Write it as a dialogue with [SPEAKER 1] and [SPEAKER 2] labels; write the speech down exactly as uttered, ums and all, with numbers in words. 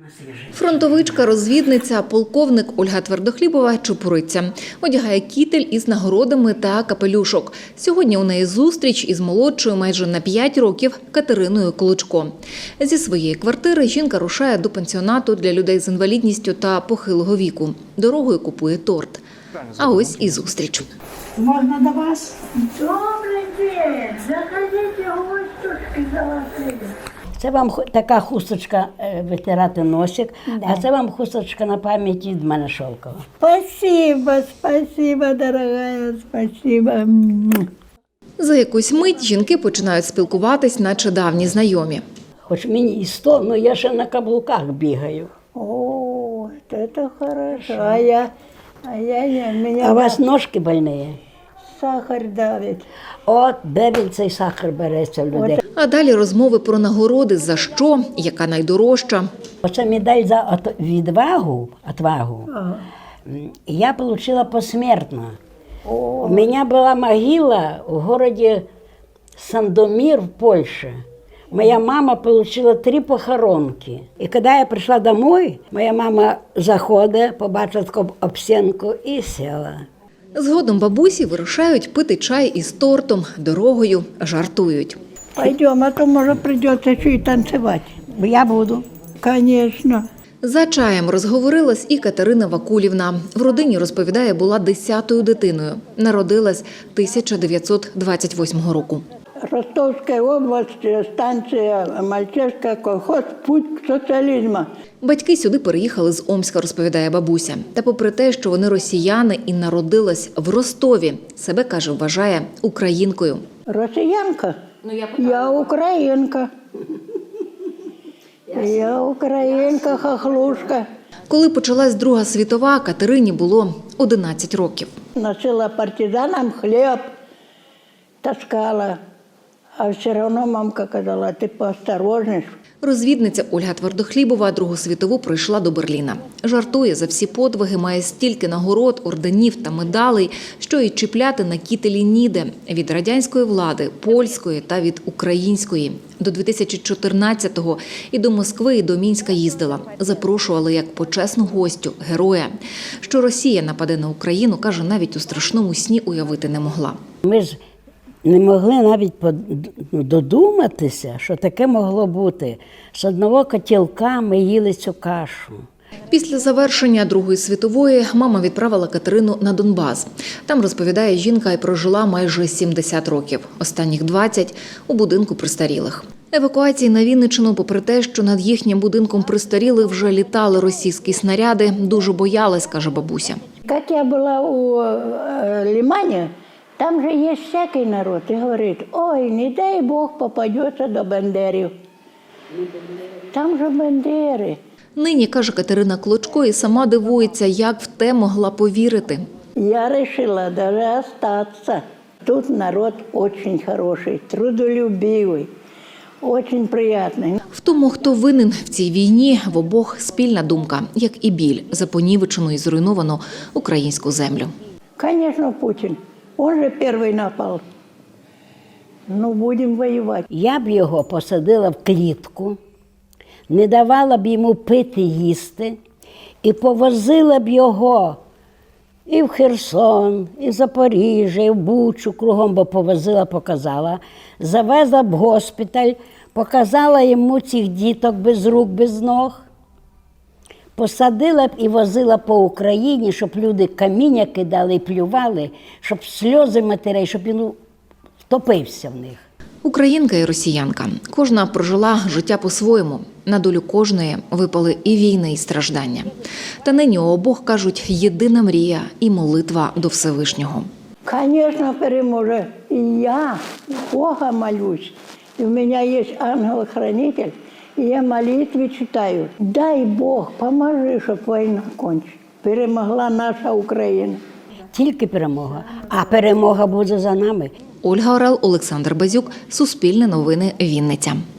[SPEAKER 1] Фронтовичка, розвідниця, полковник Ольга Твердохлібова чепуриться. Одягає кітель із нагородами та капелюшок. Сьогодні у неї зустріч із молодшою майже на п'ять років Катериною Клочко. Зі своєї квартири жінка рушає до пансіонату для людей з інвалідністю та похилого віку. Дорогою купує торт. А ось і зустріч.
[SPEAKER 2] Можна до вас?
[SPEAKER 3] Добрий день! Заходите, гостюшки золоті.
[SPEAKER 2] Це вам ху- така хусточка е, витирати носик, а це вам хусточка на пам'ять від мене шовкова.
[SPEAKER 3] Спасибо, спасибо, дорогая, спасибо.
[SPEAKER 1] За якусь мить жінки починають спілкуватись, наче давні знайомі.
[SPEAKER 2] Хоч мені і сто, але я ще на каблуках бігаю.
[SPEAKER 3] О, это хорошо. А я, а я, я, меня
[SPEAKER 2] А у вас ножки больні?
[SPEAKER 3] сахар давит.
[SPEAKER 2] От де він цей сахар береться в людей.
[SPEAKER 1] А далі розмови про нагороди, за що, яка найдорожча.
[SPEAKER 2] Оце медаль за от- відвагу, отвагу, м, я отримала посмертно. У мене була могила в городе Сандомир в Польше. Моя мама отримала три похоронки. І коли я прийшла домой, моя мама заходить, побачила таку обсінку і сіла.
[SPEAKER 1] Згодом бабусі вирушають пити чай із тортом, дорогою жартують.
[SPEAKER 3] Пойдем, а то, может, придется еще и танцевать.
[SPEAKER 2] Я буду.
[SPEAKER 3] Конечно.
[SPEAKER 1] За чаєм розговорилась і Катерина Вакулівна. В родині, розповідає, була десятою дитиною. Народилась тисяча дев'ятсот двадцять восьмого року.
[SPEAKER 3] Ростовская область, станция Мальчишка, колхоз, путь к социализму.
[SPEAKER 1] Батьки сюди переїхали з Омська, розповідає бабуся. Та попри те, що вони росіяни і народилась в Ростові, себе, каже, вважає українкою.
[SPEAKER 3] Росіянка? Я українка. Я українка, хохлушка.
[SPEAKER 1] Коли почалась Друга світова, Катерині було одинадцять років.
[SPEAKER 3] Носила партизанам хлеб, таскала. А все одно мамка казала, ти поосторожніш.
[SPEAKER 1] Розвідниця Ольга Твердохлібова Другу світову прийшла до Берліна. Жартує, за всі подвиги має стільки нагород, орденів та медалей, що й чіпляти на кітелі ніде – від радянської влади, польської та від української. До дві тисячі чотирнадцятого і до Москви, і до Мінська їздила. Запрошували як почесну гостю, героя. Що Росія нападе на Україну, каже, навіть у страшному сні уявити не могла.
[SPEAKER 2] Ми ж не могли навіть додуматися, що таке могло бути. З одного котілка ми їли цю кашу.
[SPEAKER 1] Після завершення Другої світової мама відправила Катерину на Донбас. Там, розповідає жінка, і прожила майже сімдесят років. Останніх двадцять – у будинку престарілих. Евакуації на Вінниччину, попри те, що над їхнім будинком престарілих вже літали російські снаряди, дуже боялась, каже бабуся.
[SPEAKER 3] Как я была у э, Лимане, там же есть всякий народ, и говорит, ой, не дай Бог попадется до бандерів. Там же бандери.
[SPEAKER 1] Нині, каже Катерина Клочко, і сама дивується, як в те могла повірити.
[SPEAKER 3] Я решила даже остаться. Тут народ очень хороший, трудолюбивый, очень приятный.
[SPEAKER 1] В тому, хто винен в цій війні, в обох спільна думка, як і біль за понівечену і зруйновану українську землю.
[SPEAKER 3] Конечно, Путин. Он же первый напал. Ну, будем воевать.
[SPEAKER 2] Я б його посадила в клітку, не давала б йому пити, їсти, і повозила б його і в Херсон, і в Запоріжжя, і в Бучу, кругом би повозила, показала. Завезла б в госпіталь, показала йому цих діток без рук, без ног. Посадила б і возила по Україні, щоб люди каміння кидали і плювали, щоб сльози матерей, щоб він втопився в них.
[SPEAKER 1] Українка і росіянка. Кожна прожила життя по-своєму. На долю кожної випали і війни, і страждання. Та нині у обох, кажуть, єдина мрія і молитва до Всевишнього.
[SPEAKER 3] Конечно, переможе. И я Бога молюсь. И у меня есть ангел-хранитель, и я молитвы читаю. Дай Бог, поможи, чтобы война кончилась. Перемогла наша Україна.
[SPEAKER 2] Тільки перемога. А перемога буде за нами.
[SPEAKER 1] Ольга Орел, Олександр Базюк, Суспільне новини, Вінниця.